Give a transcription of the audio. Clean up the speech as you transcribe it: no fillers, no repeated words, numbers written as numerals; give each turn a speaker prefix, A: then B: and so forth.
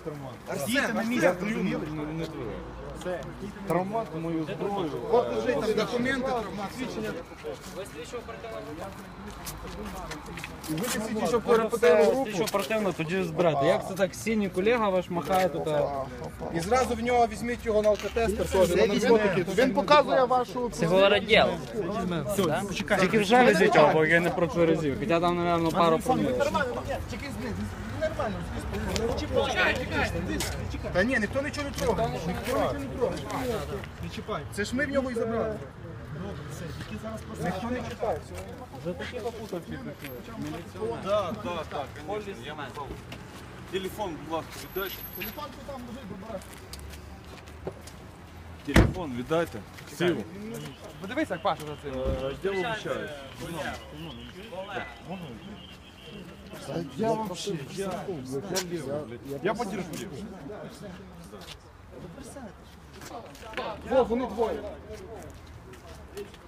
A: Діти на місці, зрозуміли?
B: Травмат мою зброю.
A: От лежить там документи, травмат, свідчення. Ви слідчо перепитали руку.
B: Що оперативно тоді збирати. Як це так, синій колега ваш махає тут?
A: І зразу в нього візьміть його на алкотестер теж, на наркотики. Він показує вашу...
C: Психораділ.
B: Тільки вже везіть його, бо я не протверезів. Хоча там, мабуть, пару проміл.
A: Нормально, тільки нормально. Та ні, ніхто нічого не трогає. Ніхто нічого не трогає. Не чіпай. Це ж ми в нього і забрали. Ніхто не чіпає.
B: За такі попутавки прийшли.
D: Так, конечно, я мав. Телефон, будь ласка, віддайте.
A: Телефон там лежить, вибирай.
D: Телефон віддайте. Сів.
A: Подивись, як Паша за це.
D: Я вибачаюсь.
A: Я вообще,
D: Я подержу.
A: Во, вони двоє.